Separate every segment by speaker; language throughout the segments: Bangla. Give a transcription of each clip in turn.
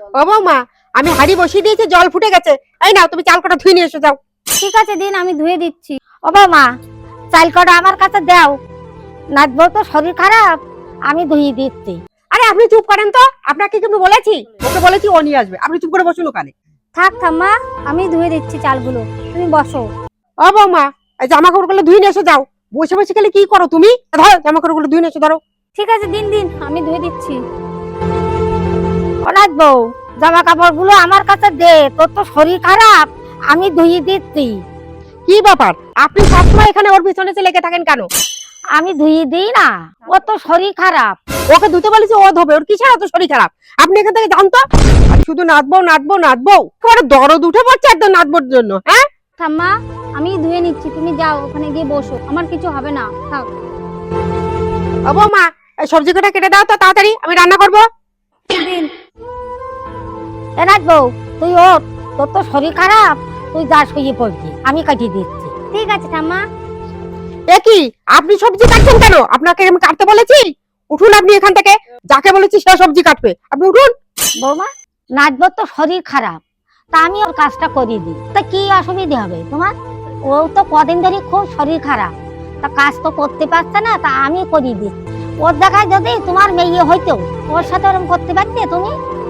Speaker 1: ও বৌমা, আমি হাঁড়ি বসিয়ে দিয়েছি, জল ফুটে গেছে। এই নাও, তুমি চাল কটা ধুয়ে নিয়ে এসো যাও।
Speaker 2: ঠিক আছে দিন, আমি ধুয়ে দিচ্ছি। ও বৌমা, চাল কটা আমার কাছে দাও, নাচবো তো শরীর খারাপ, আমি ধুয়ে দিচ্ছি।
Speaker 1: আরে আপনি চুপ করেন তো, আপনাকে কিন্তু বলেছি, ওকে বলেছি ও নিয়ে আসবে, আপনি চুপ করে বসুন ওখানে।
Speaker 2: থাক ঠাম্মা, আমি ধুয়ে দিচ্ছি চালগুলো, তুমি বসো।
Speaker 1: ও বৌমা, এই জামা কাপড়গুলো ধুয়ে নিয়ে এসো যাও। বসে বসে গেলে কি করো তুমি? ধরো জামা কাপড়গুলো ধুয়ে নিয়ে এসো, ধরো।
Speaker 2: ঠিক আছে দিন দিন, আমি ধুয়ে দিচ্ছি। ও নাচবো, জামা কাপড়গুলো আমার কাছে দে, তোর তো শরীর খারাপ, আমি ধুয়ে দিচ্ছি।
Speaker 1: কি ব্যাপার, আপনি সবসময় এখানে ওর পিছনে লেগে থাকেন কেন?
Speaker 2: আমি ধুয়ে দিই না, ও তো শরীর খারাপ।
Speaker 1: ওকে ধুতে বলেছি, ও ধোবে, ওর কিসের এত শরীর খারাপ? আপনি এখান থেকে জানতো, আর শুধু নাচবো নাচবো নাচবো, তোমার দরদ উঠে পড়ছে একদম নাচবোর জন্য। হ্যাঁ
Speaker 2: ঠাম্মা, আমি ধুয়ে নিচ্ছি, তুমি যাও ওখানে গিয়ে বসো, আমার কিছু হবে না, থাক।
Speaker 1: ও বৌমা, এই সবজি কটা কেটে দাও তো তাড়াতাড়ি, আমি রান্না করবো।
Speaker 2: দিন। এ নাচবো, তুই ওঠ, তোর তো শরীর খারাপ, তুই যা শুয়ে পড়বি, আমি কাটিয়ে দিচ্ছি। ঠিক আছে ঠাম্মা।
Speaker 1: এ কি, আপনি সবজি কাটছেন কেন? আপনাকে আমি কাটতে বলেছি? উঠুন আপনি এখান থেকে, যাকে বলেছি সে সবজি কাটবে, আপনি উঠুন।
Speaker 2: বৌমা, নাচবো তো শরীর খারাপ, তা আমি ওর কাজটা করিয়ে দিই, তা কি অসুবিধা হবে তোমার? ও তো কদিন ধরে খুব শরীর খারাপ, তা কাজ তো করতে পারছে না, তা আমি করিয়ে দিই। ওর দেখায় যদি তোমার মেয়ে হইতো, ওর সাথে ওরকম করতে পারতে তুমি?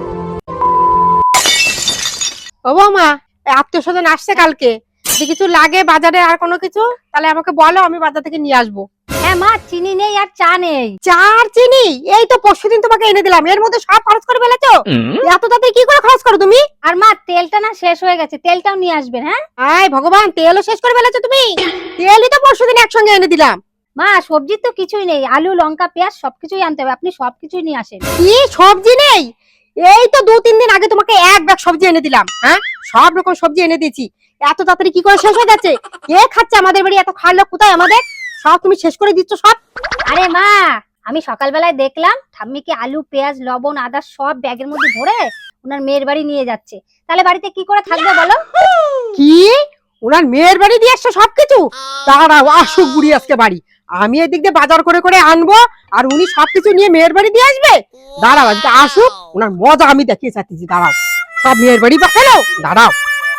Speaker 1: ও বৌমা, আত্মীয় স্বজন আসছে কালকে, যদি কিছু লাগে বাজারে আর কোনো কিছু, তাহলে আমাকে বলো, আমি বাজার থেকে নিয়ে আসবো।
Speaker 2: হ্যাঁ মা, চিনি নেই আর চা নেই।
Speaker 1: চার চিনি এই তো পরশুদিন তোমাকে এনে দিলাম, এর মধ্যে সব খরচ করে ফেলেছো। এত তাতে কি করে খরচ করো তুমি?
Speaker 2: আর মা, তেলটা না শেষ হয়ে গেছে, তেলটাও নিয়ে আসবেন। হ্যাঁ
Speaker 1: আয় ভগবান, তেলও শেষ করে ফেলেছো তুমি? তেলই তো পরশুদিন একসঙ্গে এনে দিলাম।
Speaker 2: মা, সবজির তো কিছুই নেই, আলু লঙ্কা পেঁয়াজ সবকিছুই আনতে হবে, আপনি সবকিছুই নিয়ে আসেন।
Speaker 1: কি সবজি নেই? এই তো 2-3 দিন আগে তোমাকে এক ব্যাগ সবজি এনে দিলাম। হ্যাঁ, সব রকম সবজি এনে দিয়েছি, এত তাড়াতাড়ি কি করে শেষ হয়ে যাচ্ছে? কে খাচ্ছে আমাদের বাড়ি? এত খাওয়ার লোক কোথায় আমাদের? সব তুমি শেষ করে দিচ্ছ সব।
Speaker 2: আরে মা, আমি সকালবেলায় দেখলাম ঠাম্মিকে আলু পেঁয়াজ লবণ আদা সব ব্যাগের মধ্যে ভরে ওনার মেয়ের বাড়ি নিয়ে যাচ্ছে, তাহলে বাড়িতে কি করে থাকবে বলো?
Speaker 1: কি, ওনার মেয়ের বাড়ি দিয়ে আসছো সবকিছু? দাঁড়াও, আসুক বুড়ি আজকে বাড়ি, আমি এদিক দিয়ে বাজার করে করে আনবো, আর উনি সবকিছু নিয়ে মেয়ের বাড়ি দিয়ে আসবে। দাঁড়াও, আজকে আসুক, ওনার মজা আমি দেখিয়ে চাচ্ছি। দাঁড়াও, সব মেয়ের বাড়ি পাঠালো, দাঁড়াও।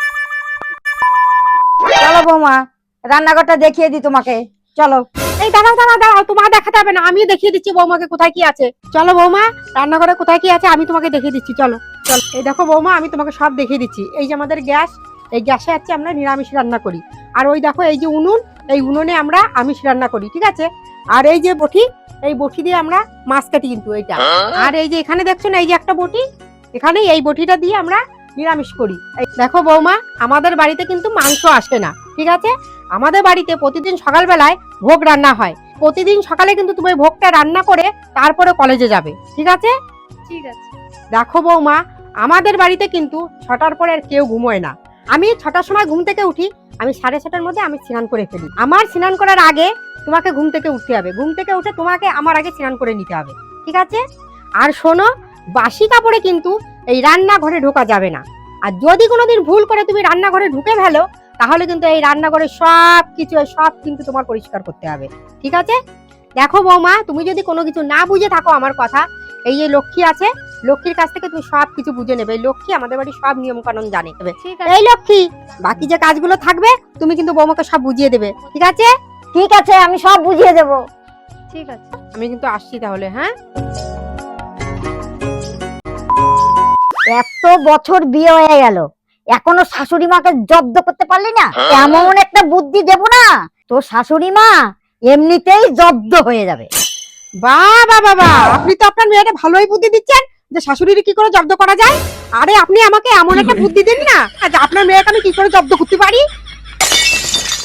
Speaker 2: চলো বৌমা, রান্নাঘরটা দেখিয়ে দিই তোমাকে, চলো।
Speaker 1: এই দাঁড়াও দাঁড়াও দাঁড়াও, তোমার দেখাতে হবে না, আমি দেখিয়ে দিচ্ছি বৌমাকে কোথায় কি আছে। চলো বৌমা, রান্নাঘরে কোথায় কি আছে আমি তোমাকে দেখিয়ে দিচ্ছি, চলো চলো। এই দেখো বৌমা, আমি তোমাকে সব দেখিয়ে দিচ্ছি। এই যে আমাদের গ্যাস, এই গ্যাসে আছে আমরা নিরামিষ রান্না করি। আর ওই দেখো এই যে উনুন, এই উনুনে আমরা আমিষ রান্না করি, ঠিক আছে? আর এই যে বটি, এই বটি দিয়ে আমরা মাছ কাটি কিন্তু এইটা। আর এই যে এখানে দেখছো না, এই যে একটা বটি, এখানে এই বটিটা দিয়ে আমরা নিরামিষ করি। এই দেখো বৌমা, আমাদের বাড়িতে কিন্তু মাংস আসে না, ঠিক আছে? আমাদের বাড়িতে প্রতিদিন সকালবেলায় ভোগ রান্না হয়। প্রতিদিন সকালে কিন্তু তুমি ভোগটা রান্না করে তারপরে কলেজে যাবে, ঠিক আছে?
Speaker 2: ঠিক আছে।
Speaker 1: দেখো বৌমা, আমাদের বাড়িতে কিন্তু 6টার পরে আর কেউ ঘুমোয় না। আমি 6টার সময় ঘুম থেকে উঠি, আমি 6:30টার মধ্যে আমি স্নান করে ফেলি। আমার স্নান করার আগে তোমাকে ঘুম থেকে উঠতে হবে, ঘুম থেকে উঠে তোমাকে আমার আগে স্নান করে নিতে হবে, ঠিক আছে? আর শোনো, বাসি কাপড়ে কিন্তু এই রান্নাঘরে ঢোকা যাবে না। আর যদি কোনোদিন ভুল করে তুমি রান্নাঘরে ঢুকে ফেলো, তাহলে কিন্তু এই রান্নাঘরে সব কিন্তু তোমার পরিষ্কার করতে হবে, ঠিক আছে? দেখো বৌমা, তুমি যদি কোনো কিছু না বুঝে থাকো আমার কথা, এই যে লক্ষ্মী আছে, লক্ষ্মীর কাছ থেকে তুমি সব কিছু বুঝে নেবে। এই লক্ষ্মী আমাদের বাড়ির সব নিয়ম কানুন জানে।
Speaker 2: ঠিক আছে।
Speaker 1: এই লক্ষ্মী, বাকি যে কাজগুলো থাকবে তুমি কিন্তু বৌমাকে সব বুঝিয়ে দেবে, ঠিক আছে?
Speaker 2: ঠিক আছে, আমি সব বুঝিয়ে দেব। ঠিক আছে।
Speaker 1: আমি কিন্তু আসছি তাহলে। হ্যাঁ,
Speaker 2: এত বছর বিয়ে হয়ে গেল, এখনো শাশুড়ি মাকে জব্দ করতে পারলি না? এমন একটা বুদ্ধি দেব না, তোর শাশুড়ি মা এমনিতেই জব্দ হয়ে যাবে।
Speaker 1: বাবা বাবা, আপনি তো আপনার মেয়েটা ভালোই বুদ্ধি দিচ্ছেন যে শাশুড়ির কি করে জব্দ করা যায়। আরে আপনি আমাকে এমন একটা বুদ্ধি দিন না, যে আপনার মেয়েকে আমি কি করে জব্দ করতে পারি।